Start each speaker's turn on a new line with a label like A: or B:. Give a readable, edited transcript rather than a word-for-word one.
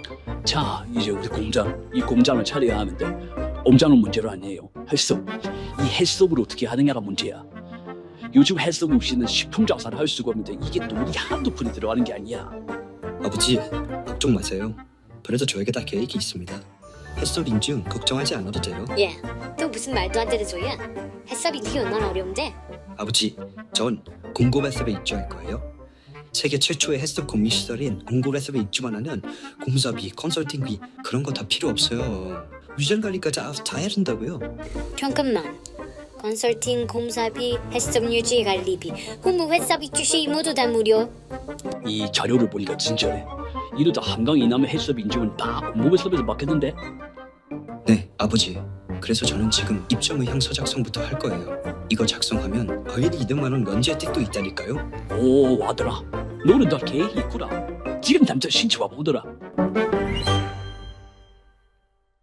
A: 자, 이제 우리 이 공장을 차려야 하는데 공장은 문제가 아니에요. 해썹. 이 해썹을 어떻게 하느냐가 문제야. 요즘 해썹 없이는 식품 장사를 할 수가 없는데 이게 돈이 한두 푼이 들어가는 게 아니야.
B: 아버지, 걱정 마세요. 그래도 저에게 다 계획이 있습니다. 햇섭 인증 걱정하지 않아도 돼요.
C: 얘, 또 무슨 말도 안 되는 소리야? 햇섭이 네 얼마나 어려운데?
B: 아버지, 전 공급 햇섭에 입주할 거예요. 세계 최초의 햇섭 공유 시설인 공급 햇섭에 입주만 하면 공사비, 컨설팅비 그런 거 다 필요 없어요. 위전 관리까지 알아서 다 해야 된다고요.
C: 잠깐만. 컨설팅, 공사비, 햇섭 유지 관리비, 홍보 햇섭 입주시 모두 다 무료.
A: 이 자료를 보니까 진짜네. 이러다 한강 이남의 해썹 인증은 다 공모해섭에서 맡겼는데.
B: 네, 아버지. 그래서 저는 지금 입점 의향 서작성부터 할 거예요. 이거 작성하면 거의 200만 원 면제 혜택도 있다니까요.
A: 오, 와더라. 너는 다 계획이 있구나. 지금 당장 신청 와보더라.